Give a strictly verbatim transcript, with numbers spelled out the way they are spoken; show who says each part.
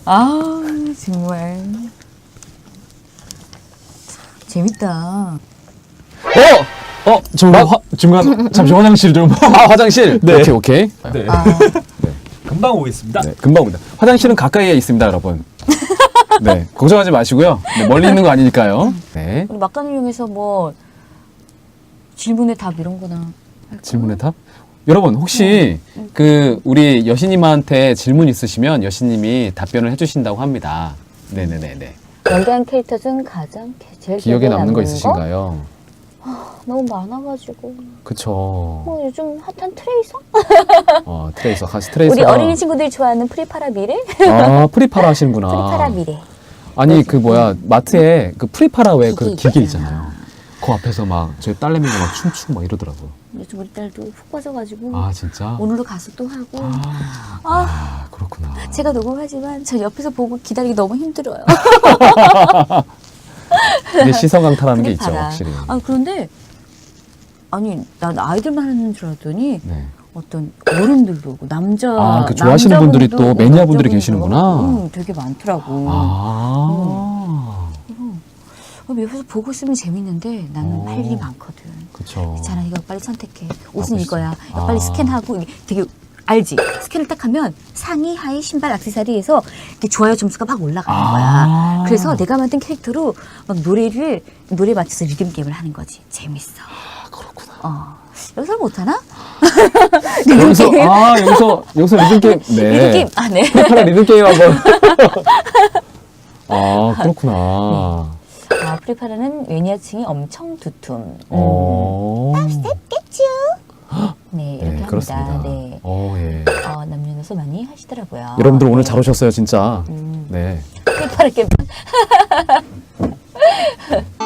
Speaker 1: 아, 정말. 재밌다.
Speaker 2: 어! 어! 중간, 화, 중간, 잠시 화장실 좀. 아, 화장실?
Speaker 3: 네.
Speaker 2: 오케이, 오케이.
Speaker 3: 네.
Speaker 1: 아,
Speaker 3: 금방 오겠습니다.
Speaker 2: 네, 금방 옵니다. 화장실은 가까이에 있습니다, 여러분. 네, 걱정하지 마시고요. 네, 멀리 있는 거 아니니까요. 네.
Speaker 1: 우리 막간을 이용해서 뭐, 질문의 답 이런 거나. 할까?
Speaker 2: 질문의 답? 여러분, 혹시
Speaker 1: 음.
Speaker 2: 그, 우리 여신님한테 질문 있으시면 여신님이 답변을 해주신다고 합니다. 네네네네.
Speaker 1: 연기한 캐릭터 중 가장 제일
Speaker 2: 기억에 남는 거 있으신가요?
Speaker 1: 너무 많아가지고.
Speaker 2: 그쵸.
Speaker 1: 뭐 요즘 핫한 트레이서?
Speaker 2: 어, 트레이서, 가시 트레이서.
Speaker 1: 우리 어린이 친구들이 좋아하는 프리파라 미래?
Speaker 2: 아, 프리파라 하시는구나.
Speaker 1: 프리파라 미래.
Speaker 2: 아니, 그 뭐야, 마트에 그 프리파라 왜 그
Speaker 1: 기계
Speaker 2: 기계
Speaker 1: 있잖아.
Speaker 2: 있잖아요. 그 앞에서 막 저희 딸내미가 막 춤추고 막 이러더라고요.
Speaker 1: 요즘 우리 딸도 푹 빠져가지고
Speaker 2: 아, 진짜?
Speaker 1: 오늘도 가서 또 하고.
Speaker 2: 아,
Speaker 1: 아,
Speaker 2: 아, 그렇구나.
Speaker 1: 제가 녹음하지만 저 옆에서 보고 기다리기 너무 힘들어요.
Speaker 2: 이게 시선 강탈하는 게 있죠,
Speaker 1: 프리파라.
Speaker 2: 확실히.
Speaker 1: 아, 그런데 아니 난 아이들만 하는 줄 알았더니
Speaker 2: 네.
Speaker 1: 어떤 어른들도 오고 남자
Speaker 2: 아, 그 좋아하시는
Speaker 1: 남자분도
Speaker 2: 분들이 또
Speaker 1: 오고
Speaker 2: 매니아 분들이
Speaker 1: 여자분도
Speaker 2: 계시는구나.
Speaker 1: 응, 되게 많더라고.
Speaker 2: 아,
Speaker 1: 어, 옆에서 보고 있으면 재밌는데 나는
Speaker 2: 어.
Speaker 1: 할 일이 많거든.
Speaker 2: 그쵸.
Speaker 1: 괜찮아, 이거 빨리 선택해. 옷은
Speaker 2: 벌써.
Speaker 1: 이거야. 이거
Speaker 2: 아.
Speaker 1: 빨리 스캔하고 이게 되게 알지? 스캔을 딱 하면 상의, 하의, 신발, 액세서리에서 이렇게 좋아요 점수가 막 올라가는
Speaker 2: 아.
Speaker 1: 거야. 그래서 내가 만든 캐릭터로 막 노래를 노래 맞춰서 리듬 게임을 하는 거지. 재밌어.
Speaker 2: 아, 그렇구나.
Speaker 1: 어. 여기서 못하나?
Speaker 2: 여기서, 아, 여기서, 여기서 리듬게임. 네.
Speaker 1: 리듬 게임. 아, 네.
Speaker 2: 프리파라 리듬게임 한번. 아, 그렇구나.
Speaker 1: 아, 프리파라는 매니아층이 엄청 두툼. 음.
Speaker 2: 어.
Speaker 1: 겠쥬? 네, 이렇게
Speaker 2: 네,
Speaker 1: 합니다.
Speaker 2: 그렇습니다.
Speaker 1: 네.
Speaker 2: 어, 예.
Speaker 1: 어, 남녀노소 많이 하시더라고요.
Speaker 2: 여러분들 오늘
Speaker 1: 네.
Speaker 2: 잘 오셨어요, 진짜.
Speaker 1: 음.
Speaker 2: 네.
Speaker 1: 프리파라 게임.